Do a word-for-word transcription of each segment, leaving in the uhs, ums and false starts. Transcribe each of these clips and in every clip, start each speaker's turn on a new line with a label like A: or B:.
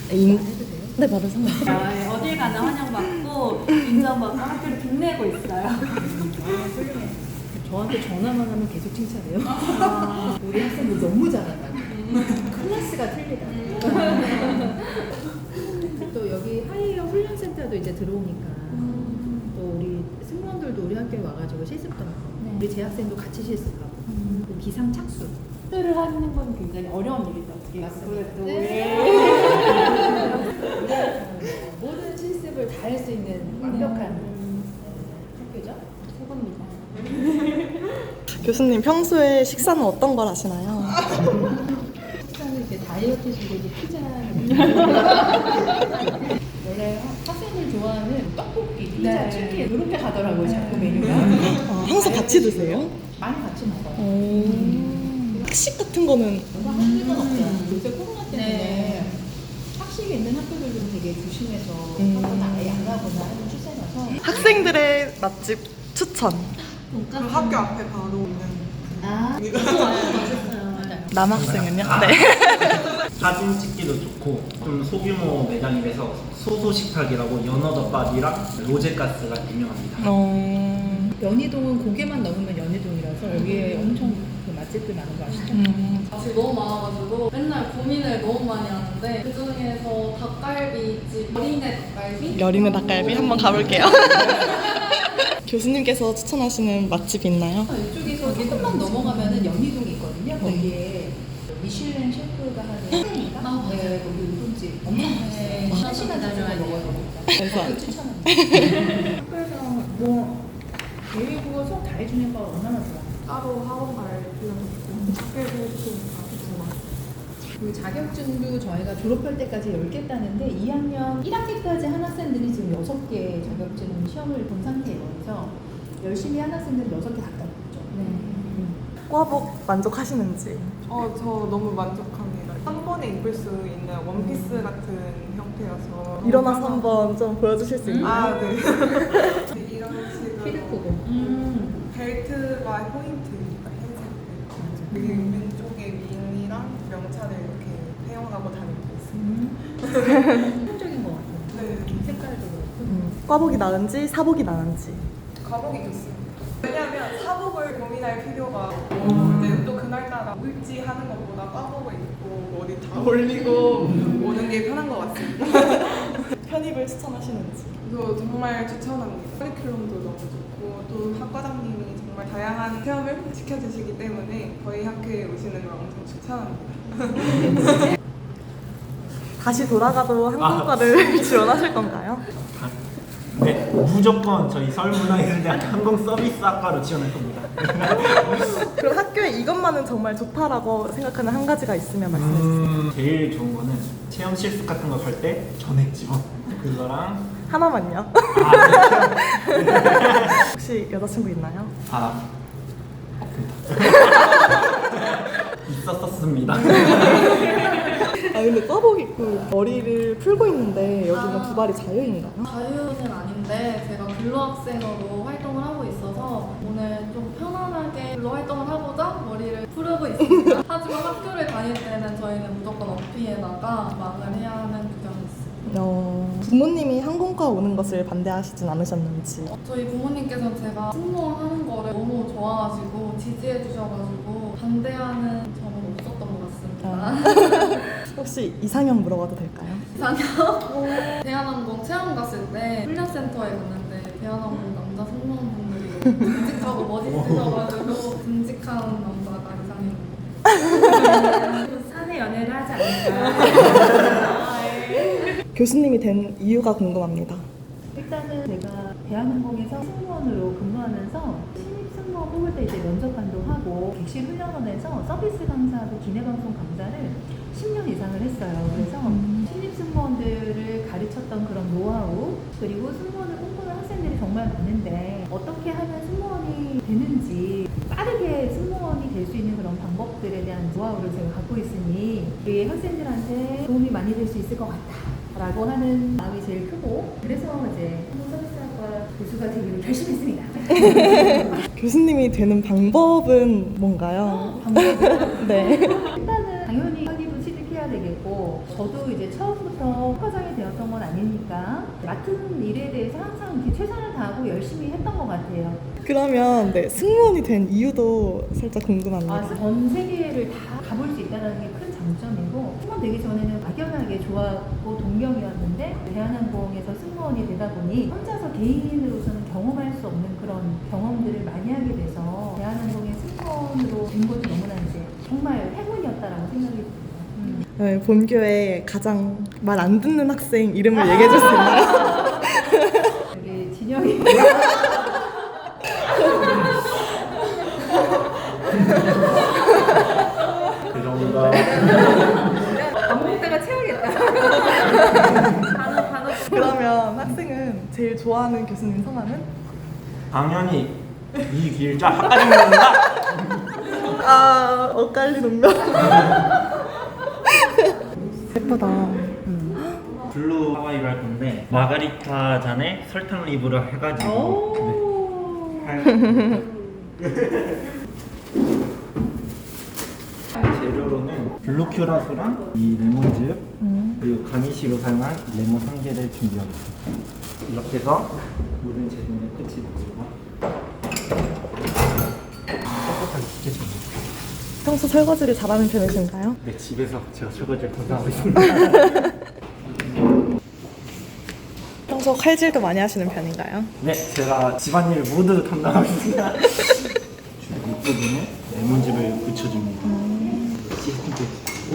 A: 인... 해도 돼요? 네, 바로 상관없어요.
B: 네, 어딜 가나 환영받고 인정받고 학교를 빛내고 있어요.
C: 아, 훌륭해. 저한테 전화만 하면 계속 칭찬해요.
B: 아.
C: 우리 학생들 너무 잘한다고. 클래스가 틀리다. 또 여기 하이어 훈련센터도 이제 들어오니까
B: 음.
C: 또 우리 승무원들도 우리 학교에 와가지고 실습도 하고
B: 네.
C: 우리 재학생도 같이 실습하고
B: 음.
C: 또 기상 착수.
B: 를 하는 건 굉장히 어려운 일이죠. 어떻게
C: 맞습니다.
B: 그래도
C: 우리가 모든 실습을 다 할 수 있는 완벽한
B: 음.
C: 학교죠.
B: 최고입니다.
A: 교수님 평소에 식사는 어떤 걸 하시나요?
C: 식사는 이제 다이어트 식으로 피자. 원래 학생들 좋아하는 떡볶이, 피자,
B: 네.
C: 치킨 이렇게 가더라고요. 자꾸 메뉴가.
A: 아, 항상 같이 드세요?
C: 많이 같이 먹어요.
A: 오... 학식 같은 거는
C: 뭔가 학식은 없어요. 요새 코로나 때문에
B: 네.
C: 학식이 있는 학교들도 되게 조심해서
A: 음.
C: 학교는 아예 안 가거나 하는 추세라서.
A: 학생들의 맛집 추천.
D: 그 학교 앞에 바로 있는
C: 아,
B: 맛있어요.
A: 남학생은요? 네.
E: 사진 찍기도 좋고 좀 소규모 매장이라서 소소식탁이라고 연어덮밥이랑 로제가스가 유명합니다.
A: 어...
C: 연희동은 고개만 넘으면 연희동이라서 여기에 엄청 그 맛집들 많은 거 아시죠?
A: 음...
F: 맛이 너무 많아가지고 맨날 고민을 너무 많이 하는데 그 중에서 닭갈비집 여린의 닭갈비?
A: 여린의 닭갈비 한번 가볼게요. 교수님께서 추천하시는 맛집 있나요?
C: 이쪽에서 조금만 넘어가면은 연희동이 있거든요. 거기에 미슐랭 셰프가 하는 아, 네, 거기 우동집 엄청 네, 한 시간 다녀야 먹어야 됩니다.
A: 그래서
C: 그 추천합니다. 학교에서 뭐 예의국어 수업 다 해주는 거 얼마나 좋아?
D: 따로 학원 갈 필요는 없고 학교에서 해주니까 좋아.
C: 그 자격증도 저희가 졸업할 때까지 열 개 따는데 이 학년 일 학기까지 한 학생들이 지금 여섯 개 자격증 시험을 본 상태예요. 그래서 열심히 한 학생들은 여섯 개 다 따고
B: 네.
A: 과복 만족하시는지.
D: 어, 저 너무 만족합니다. 한 번에 입을 수 있는 원피스 같은 형태여서
A: 일어나서 한번 좀 보여주실 수 있나요?
D: 아, 네. 이런 식으로
C: 피드크고
B: 음.
D: 벨트가 포인트입니다. 흰색 벨트. 그리고 왼쪽에 윙이랑 명찰을 이렇게 사용하고 다니고 있습니다.
C: 한적인 것 같아요.
D: 네.
C: 색깔도 그렇고.
A: 음, 과복이 나은지 사복이 나은지.
D: 과복이 좋습니다. 왜냐하면 사복을 고민할 필요가 없고 이제 또 그날따라 울지 하는 것보다 과복을 입고 어디 다 올리고 오는 게 편한 것 같습니다.
A: 편입을 추천하시는지.
D: 저 정말 추천합니다. 커리큘럼도 너무 좋고 또 학과장님이 정말 다양한 체험을 시켜주시기 때문에 저희 학교에 오시는 걸 엄청 추천합니다.
A: 다시 돌아가도 항공과를 지원하실 건가요?
E: 네, 무조건 저희 서울문화예술대학교 항공서비스학과로 지원할 겁니다.
A: 그럼 학교에 이것만은 정말 좋다라고 생각하는 한 가지가 있으면 말씀해 주세요.
E: 음, 제일 좋은 거는 체험 실습 같은 거 갈 때 전액 지원. 그거랑
A: 하나만요.
E: 아,
A: 혹시 여자친구 있나요?
E: 아, 있었었습니다.
A: 아 근데 과복 입고 머리를 풀고 있는데 여기는
F: 아.
A: 두 발이 자유인가요?
F: 자유는 아닌데 제가 근로학생으로 활동을 하고 있어서 오늘 좀 편안하게 근로 활동을 하고자 머리를 풀고 있습니다. 하지만 학교를 다닐 때는 저희는 무조건 어피에다가 막을 해야 하는 규정이 있습니다.
A: 어, 부모님이 항공과 오는 것을 반대하시진 않으셨는지.
F: 저희 부모님께서 제가 승무원 하는 거를 너무 좋아하시고 지지해 주셔가지고 반대하는 점은 없었던 것 같습니다.
A: 아. 혹시 이상형 물어봐도 될까요?
F: 이상형? 대한항공 체험 갔을 때 훈련센터에 갔는데 대한항공 남자 승무원분들이 너무 듬직하고 멋있으셔가지고 듬직한 남자가 이상형입니다.
B: 사내 연애를 하지 않을까.
A: 교수님이 된 이유가 궁금합니다.
C: 일단은 제가 대한항공에서 승무원으로 근무하면서 신입 승무원 뽑을 때 이제 면접관도 하고 객실 훈련원에서 서비스 강사하고 기내방송 강사를 십 년 이상을 했어요. 그래서 신입 승무원들을 가르쳤던 그런 노하우 그리고 승무원을 꿈꾸는 학생들이 정말 많은데 어떻게 하면 승무원이 되는지 빠르게 승무원이 될 수 있는 그런 방법들에 대한 노하우를 제가 갖고 있으니 우리 학생들한테 도움이 많이 될 수 있을 것 같다. 라고 하는 마음이 제일 크고 그래서 이제 항공서비스학과 교수가 되기로 결심했습니다.
A: 교수님이 되는 방법은 뭔가요?
C: 방법은
A: 네.
C: 일단은 당연히 학위도 취득해야 해야 되겠고, 저도 이제 처음부터 과장이 되었던 건 아니니까 맡은 일에 대해서 항상 이렇게 최선을 다하고 열심히 했던 것 같아요.
A: 그러면 네, 승무원이 된 이유도 살짝 궁금합니다.
C: 아, 전 세계를 다 가볼 수 있다는 게 큰 장점이고, 승무원 되기 전에는 막연하게 좋아하고 동경이었는데 대한항공에서 승무원이 되다 보니 혼자서 개인으로서는 경험할 수 없는 그런 경험들을 많이 하게 돼서 대한항공의 승무원으로 된 것이 너무나 이제 정말 행운이었다라고 생각이 듭니다. 음.
A: 네, 본교에 가장 말 안 듣는 학생 이름을 얘기해 줄 수 있나요?
C: 우리 진영이
E: 그 정도.
C: 밥 먹다가 채우겠다.
F: 단어 단어
A: 그러면 학생은 제일 좋아하는 교수님 성함은?
E: 당연히 이길자 학과장입니다.
A: 아, 엇갈린 운명. 예쁘다.
E: 블루 하와이로 할 건데 마가리타 잔에 설탕 립으로 해가지고 네. 할- 재료로는 블루 큐라소랑 이 레몬즙 그리고 가니쉬로 사용한 레몬 한 개를 준비하겠습니다. 이렇게 해서 모든 재료는 끝이 되고 깨끗하게 씻겨줍니다.
A: 평소 설거지를 잘하는 편이신가요?
E: 네, 집에서 제가 설거지를 담당하고 있습니다.
A: 평소 칼질도 많이 하시는 편인가요?
E: 네, 제가 집안일을 모두 담당하고 있습니다. 윗부분에 레몬즙을 붙여줍니다. 씻는 끝.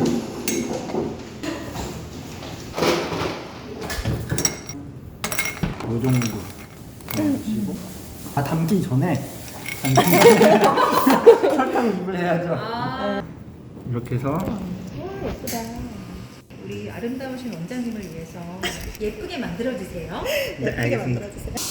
E: 이 정도 넣으시고 아 담기 전에 담기 전에 설탕 립을 해야죠. 이렇게 해서
C: 예쁘다. 우리 아름다우신 원장님을 위해서 예쁘게 만들어주세요.
E: 네, 알겠습니다.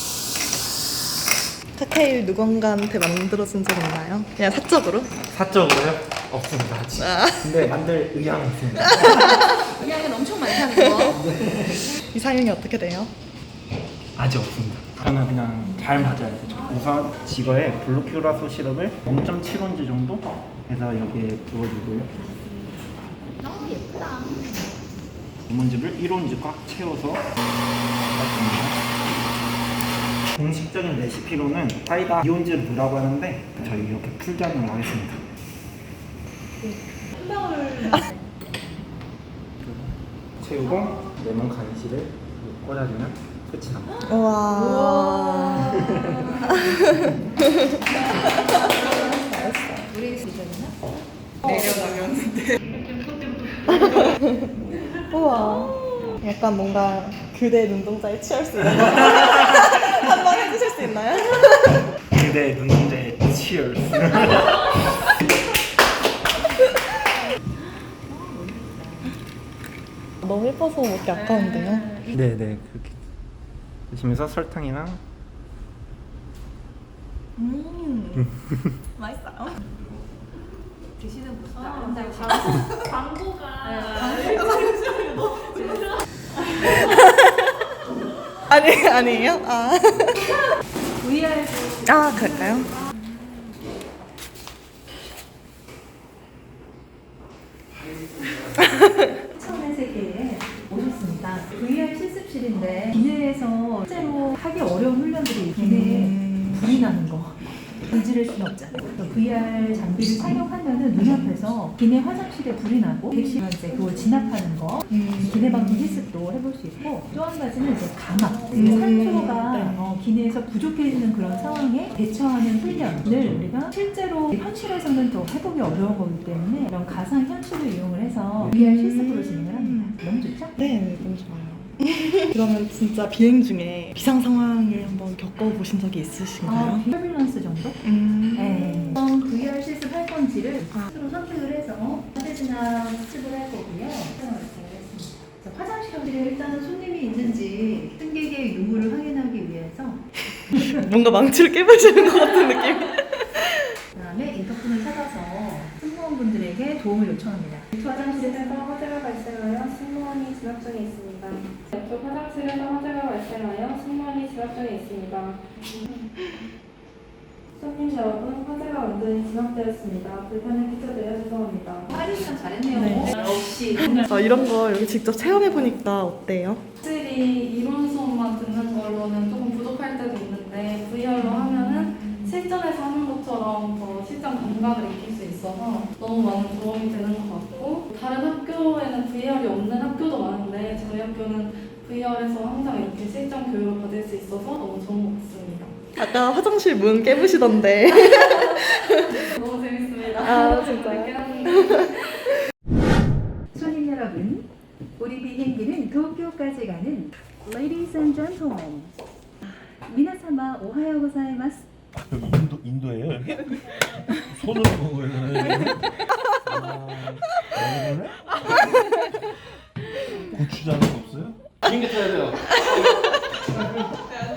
A: 칵테일 누군가한테 만들어준 적 있나요? 그냥 사적으로?
E: 사적으로요? 없습니다 아직.
A: 아.
E: 근데 만들 의향은 있습니다.
C: 의향은 엄청 많다는 거.
A: 이상형이 어떻게 돼요?
E: 아직 없습니다. 저는 그냥 잘 맞아야 되죠. 우선 지거에 블루큐라소 시럽을 영 점 칠 온즈 정도 해서 여기에 부어주고요.
C: 너무 예쁘다.
E: 레몬즙을 일 온즈 꽉 채워서 넣습니다. 공식적인 레시피로는 사이다 이 온즈를 넣으라고 하는데 저희 이렇게 풀장을 하겠습니다.
C: 한 방울
E: 채우고 레몬 가니쉬를 꽂아주면 끝이 납니다.
A: 우와.
C: 우리 시절이나?
A: 우와. 약간 뭔가 그대 눈동자에 취할 수 있는 거 한번 해주실 수 있나요?
E: 그대 눈동자에 치얼스.
A: 너무 예뻐서 먹기 아까운데요?
E: 네네 그렇게 드시면서 설탕이랑
A: 음. 맛있어요.
C: 드시는 모습
F: 아,
C: 아름다우시고.
F: 광고가
A: 아니, 아니에요? 아.
C: 브이알도
A: 아, 그럴까요?
C: 처음의 세계에 오셨습니다. 브이알 실습실인데 기내에서 실제로 하기 어려운 훈련들이 기내에
A: 음.
C: 불이 나는 거 건지를 수는 없잖아요. 브이알 장비를 사용하면은 눈앞에서 기내 화장실에 불이 나고 객실 이제 그걸 진압하는 거
A: 음.
C: 기내 방송 실습도 해볼 수 있고 또 한 가지는 이제 가막
A: 음.
C: 산소가
A: 네.
C: 어, 기내에서 부족해지는 그런 상황에 대처하는 훈련을 우리가 실제로 현실에서는 또 해보기 어려운 거기 때문에 이런 가상 현실을 이용을 해서 브이알 실습으로 진행을 합니다. 너무 좋죠?
A: 네, 너무 좋아요. 그러면 진짜 비행 중에 비상 상황을 한번 겪어보신 적이 있으신가요?
C: 터뷸런스 정도?
A: 음.
C: 네. 어떤 브이알 실습 할 건지를
A: 아.
C: 스스로 선택을 해서 사대지나 수습을 할 거고요. 설명을 드리겠습니다. 자, 화장실에 일단 손님이 있는지 승객의 유무를 확인하기 위해서
A: 뭔가 망치를 깨부시는 것 같은 느낌.
C: 그다음에 인터폰을 찾아서 승무원분들에게 도움을 요청합니다. 화장실에서
G: 화재가 발생하여 승무원이 진압 중에 있습니다. 왼쪽 화장실에서 화재가 발생하여 승무원이 진압 중에 있습니다. 손님 여러분, 화재가 완전히 진압되었습니다. 불편을 끼쳐드려 죄송합니다.
C: 파리랑 잘했네요.
A: 네.
C: 역시.
A: 아, 이런 거 여기 직접 체험해 보니까 어때요?
F: 확실히 이론 수업만 듣는 걸로는 조금 부족할 때도 있는데 브이알로 하면은 실전에서 하는 것처럼 더 실전 감각을 익힐 수 있어서 너무 많은 도움이 되는 것 같고 다른 학교에는 브이알이 없는 학교도 많은데 저희 학교는 브이알에서 항상 이렇게 실전 교육을 받을 수 있어서 너무 좋은 것 같습니다.
A: 아까 화장실 문 깨부시던데.
F: 너무 재밌습니다.
A: 아, 진짜요?
F: 늦게 하는데.
C: 손님 여러분, 우리 비행기는 도쿄까지 가는 Ladies and Gentlemen. 미나사마 오하요 고자이마스.
H: 여기 인도 인도예요 여기? 손으로 먹어요. 아, 고추장은 없어요?
E: 비행기 타야 돼요.